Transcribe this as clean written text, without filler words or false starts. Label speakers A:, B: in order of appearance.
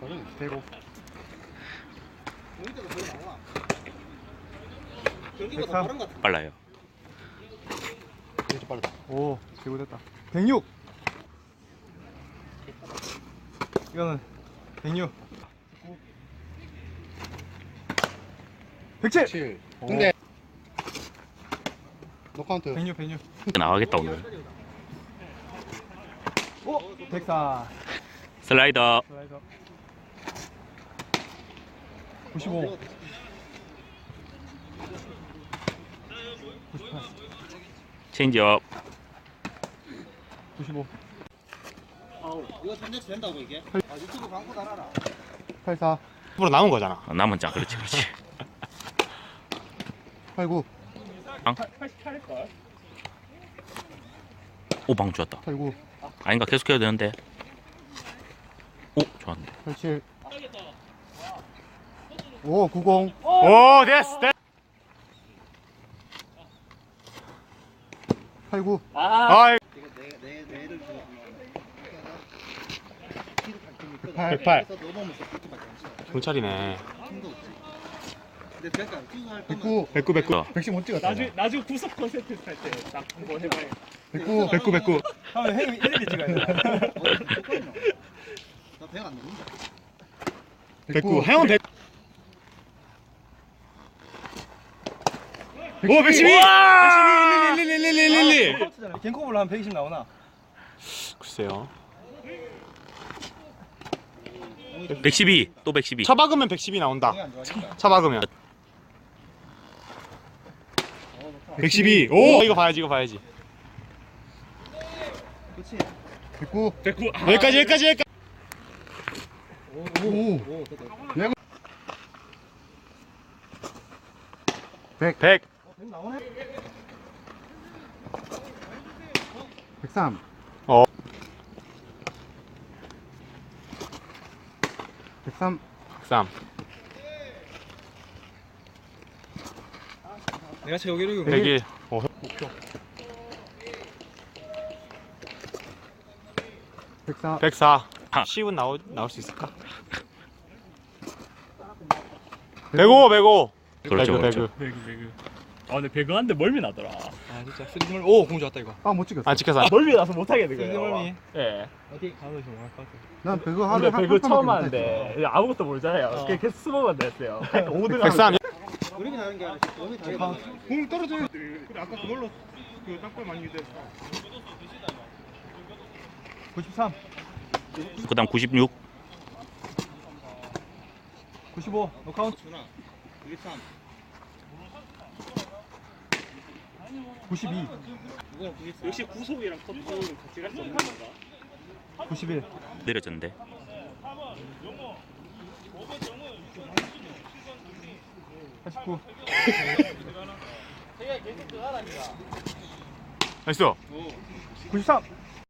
A: 대고.
B: 경기가 더 빠른 것 같아.
C: 빨라요.
A: 진짜 빠르다. 오, 대고 됐다. 106. 이거는 106. 107.
D: 7. 근데 노카운트.
A: 106, 106.
C: 나가겠다 오늘.
A: 오, 104.
C: 슬라이더.
A: 슬라이더. 95. 98.
C: 체인지업.
A: 95.
B: 이거 3대치 된다고 이게? 유튜브 광고 달아라.
A: 84.
D: 앞으로 남은 거잖아.
C: 남은 장 그렇지 그렇지.
D: 89.
C: 오 방 좋았다.
D: 89.
C: 아닌가 계속해야 되는데. 오 좋았네.
D: 87. 오, 90.
A: 오, 됐어.
D: 89.
A: 아,
B: 이거 내를 주고.
D: 108.
B: 그래서 넘어오면서 그렇게밖에 안 쳐.
D: 경찰이네.
B: 힘도 없지. 근데 그러니까 투수할 거면
D: 109.
A: 109, 109.
C: 어.
A: 110 못 찍었다.
E: 나중에 구속 콘서트 할 때 딱 한번 해봐요.
D: 109. 109. 109.
A: 하면 형님이 일일이 찍어야 돼.
B: 나 배가 안 넘는다.
D: 109. 형은 100. 오, 112. 112.
A: 갱코블로 한 120 나오나?
D: 글쎄요.
C: 112. 또 112.
D: 차 박으면 110이 나온다.
B: 배가 안 좋아하니까.
D: 차 박으면. 112. 오, 이거 봐야지. 이거 봐야지.
B: 그렇지.
D: 109.
E: 109.
D: 여기까지. 여기까지.
B: 오, 됐다.
D: 100.
B: 100 나오네.
D: 103. 103. 103.
A: 내가 최고 기록이고.
D: 101.
A: 104.
D: 104.
C: 아.
D: 10은 나올 수 있을까? 105. 105.
C: 그렇죠 그렇죠.
E: 아 근데 배그한데 멀미 나더라.
A: 아, 진짜. 쓰리멀. 오, 공 좋았다, 이거.
D: 아, 못 찍었어. 안 찍혔어.
E: 멀미 나서 못 하겠는 거예요.
A: 쓰리멀미.
E: 예.
A: 어디 가도 좀 할것 같아.
D: 난 배그
E: 근데
D: 하루에
E: 배그 처음 하는데 아무것도 모르잖아요. 그냥 계속 스모만 됐어요. 5등
D: 103.
B: 그림이 나는 게 아니라 몸이 다
D: 공 떨어져요.
A: 근데 아까 그걸로 그 땅볼 많이 유도했어. 93.
C: 그다음 96.
A: 95. 노카운트.
B: 주나. 93.
A: 92.
B: 이거는 93.
E: 역시 구속이랑 컨트롤은 같이 갈 수 없는 건가?
A: 91.
C: 내려졌는데.
A: 89.
D: 나이스.
A: 93.